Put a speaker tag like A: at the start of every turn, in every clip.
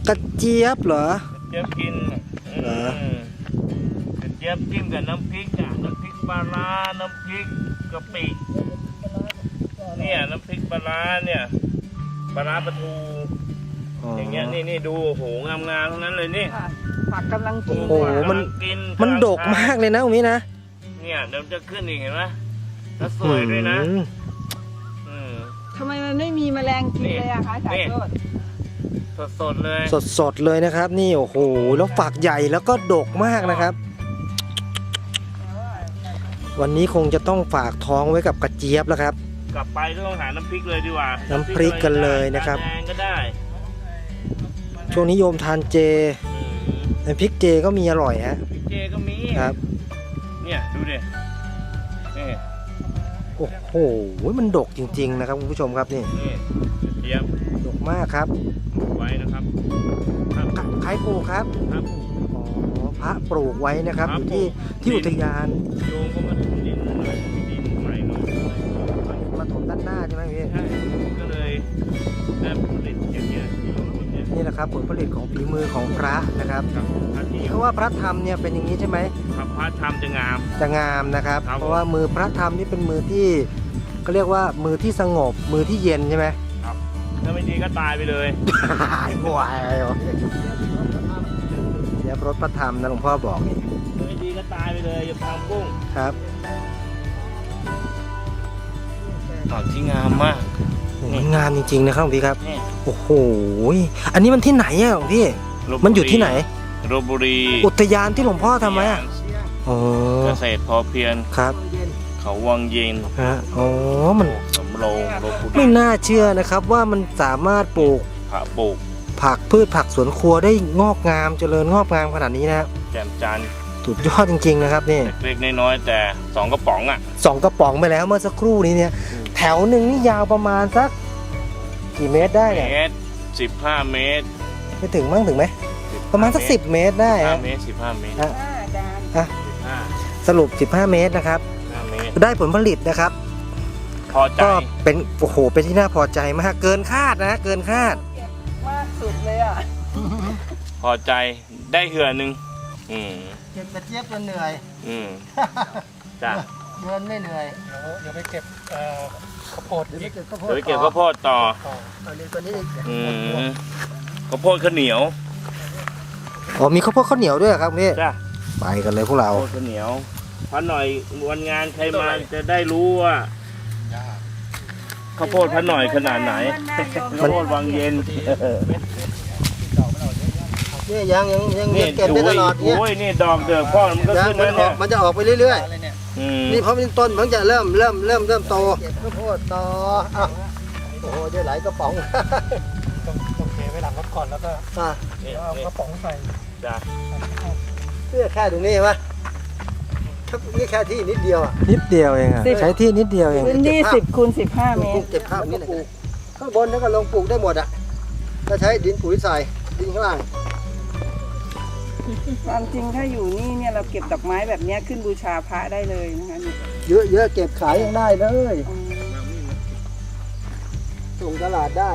A: กระเจี๊ยบเหรอก
B: ระเจี๊ยบกิน
A: เหรอก
B: ระเจี๊ยบจิ้มกับน้ำพริกน้ำพริกปลาร้าน้ำพริกกะปิเนี่ยน้ำพริกปลาร้าเนี่ยปลาร้าปลาทูอย่างเงี้ยนี่ดูโหงามๆทั้งนั้นเลยนี่
C: ผักกำลังกิน
A: โอ้โหมันดกมากเลยนะตรงนี้นะ
B: เนี่ยเดี๋ยวจะขึ้นอีกเห็นไหมแล้วสวยด้วยนะ
C: ทำไมมันไม่มีแมลงกินเลยอะคะจ่าโชติ
B: สดเลย
A: สดเลยนะครับนี่โอ้โหแล้วฝักใหญ่แล้วก็ดกมากนะครับวันนี้คงจะต้องฝากท้องไว้กับกระเจี๊ยบแล้วครับ
B: กลับไปต้องหาน้ำพริกเลยดีกว่า
A: น้ำพริกกันเลยนะครับ
B: แดงก็ได้
A: ช่วงนี้โยมทานเจน้ำพริกเจก็มีอร่อยฮะ
B: พริกเจก็มี
A: ครับ
B: เนี่ยดูดินี่
A: โอ้โหมันดกจริงๆนะครับคุณผู้ชมครับนี่
B: เจี๊ยบ
A: ดกมากครับ
B: ไว้นะครับ
A: ใครปลูกครับ
B: ครับ
A: อ๋อพระปลูกไว้นะครับอยู่ที่อุทยาน
B: โยมก็มาถมดินใหม่
A: มาถมด้านหน้าใช่ไหมพี่
B: ใช่ก็เลยได้ผลผลิตอย่างเงี้ย
A: นี่แหละครับผลผลิตของฝีมือของพระนะครับเพราะว่าพระธรรมเนี่ยเป็นอย่างนี้ใช่ไหม
B: พระธรรมจะง
A: ามนะครับเพราะว่ามือพระธรรมนี่เป็นมือที่เขาเรียกว่ามือที่สงบมือที่เย็นใช่ไหม
B: ครับถ้าไม่ดีก็ตายไปเลย
A: ป่วยเดี๋ยวรถพระธรรมนะหลวงพ่อบอกนี่
B: ไม่ดีก็ตายไปเลยอย่าทำกุ้ง
A: ครับ
B: ผักที่งามมาก
A: งามจริงๆนะครับพี่ครับโอ้โหอันนี้มันที่ไหนอ่ะพี่มันอยู่ที่ไหน
B: ลพบุรี
A: อุทยานที่หลวงพ่อทำไว้
B: เกษตรพอเพียง
A: ครับ
B: เขาวังเย็น
A: อ๋อมัน
B: สำโรงลพบุรี
A: ไม่น่าเชื่อนะครับว่ามันสามารถปลูกผักพืชผักสวนครัวได้งอกงามเจริญงอกงามขนาดนี้นะ
B: แจ่มจัน
A: สุดยอดจริงๆนะครับนี่
B: เล็กๆน้อยๆแต่2 กระป๋อง
A: 2 กระป๋องไปแล้วเมื่อสักครู่นี้เนี่ยแถวหนึ่งนี่ยาวประมาณสักกี่เมตรได้เนี่ย
B: 15 เมตร
A: ไม่ถึงมั้งถึงไหมประมาณสัก10 เมตรได้
B: 15 เมตร15 เมตร
A: สรุป15 เมตรนะครับได้ผลผลิตนะครับ
B: พอใจ
A: ก็เป็นโอ้โหเป็นที่น่าพอใจมากเกินคาดนะเกินคาด
C: มากสุดเลยอ่ะ
B: พอใจได้เหื่อนึง
A: เก็บกระเจี๊ยบจนเหนื่อย
B: จ้ะ
A: เดินไม่เหนื่อย
D: เดี๋ยวไปเก็บข้าวโพด
B: เดี๋ยวไปเก็บข้าวโพดต่อ
A: ตัวนี้
B: ข้าวโพดข้าวเหนียว
A: มีข้าวโพดข้าวเหนียวด้วยครับพี่
B: จ้ะ
A: ไปกันเลยพวกเรา
B: ข้าวเหนียวพันหน่อยวันงานใครมาจะได้รู้ว่าข้าวโพดพันหน่อยขนาดไหนข้าวโพดวังเย็น
A: นี่ยังเก็บได้ตลอดเนี่ย
B: โอ้ยนี่ดอกเดือกพ่อมันก็ขึ้นแล้วเนี่ย
A: มันจะออกไปเรื่อยๆนี่เพราะมันต้นมันจะเริ่มโตเก็บข้าวโพดต่อโอ้โหได้หลายกระป๋อง
D: ต้องเทไว้หลังรถก่อนแล้วก็เอากระป๋องใส่
B: จ้ะ
A: เพื่อแค่ตรงนี้ใช่ไหมนี่แค่ที่นิดเดียวนิดเดียวเองใช้ที่นิดเดียวเอง
C: พื้นที่10 คูณ 15 เมตร
A: เก็บข้าวนี่ข้างบนแล้วก็ลงปลูกได้หมดถ้าใช้ดินปุ๋ยใส่ดินข้างล่าง
C: ความจริงถ้าอยู่นี่เนี่ยเราเก็บดอกไม้แบบนี้ขึ้นบูชาพระได้เลยนะคะ
A: เยอะเก็บขายยังได้เลยส่งตลาดได้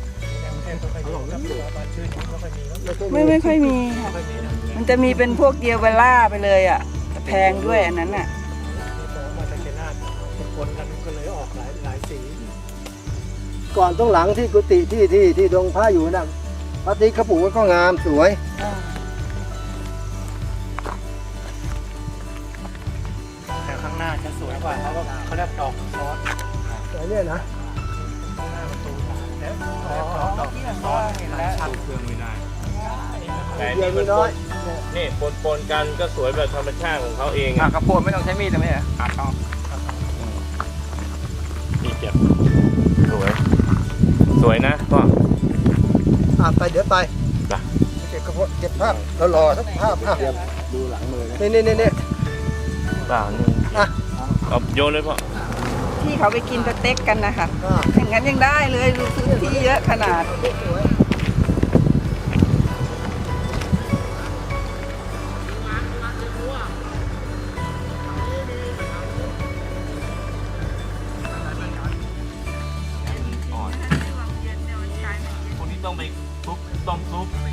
C: ไม่ค่อยมีค่ะมันจะมีเป็นพวกเดียวเวล่าไปเลยแพงด้วยอันนั้น
D: มาจากเกนาดคนกันก็เลยออกหลายสี
A: ก่อนต้องหลังที่กุฏิที่ดงผ้าอยู่นะพระติ๊กเขาปลูกก็งามสวย
D: แต่ข้างหน้าจะสวยกว่าเขาเรียกดอกซอส
A: แต่เนี่ยนะ
D: หน้าประตูแล้วดอกซอสแล้วชัด
B: เครื่องไม่ได้
A: แต่นี่มันน้อย
B: นี่ปนกันก็สวยแบบธรรมชาติของเขาเอง
D: ข้าวโพดไม่ต้องใช้มีดไหมต้อง
B: นี่เจ็บสวยนะพ่อ
A: ไปเดี๋ยวไปเก็บกระโพดเก็บภาพรอสักภาพดูหลังมือนี่
B: ป่านี่เอาโยนเลยพ่อ
C: ที่เขาไปกินสเต็กกันนะคะอย่างนั้นยังได้เลยดูซื้อที่เยอะขนาด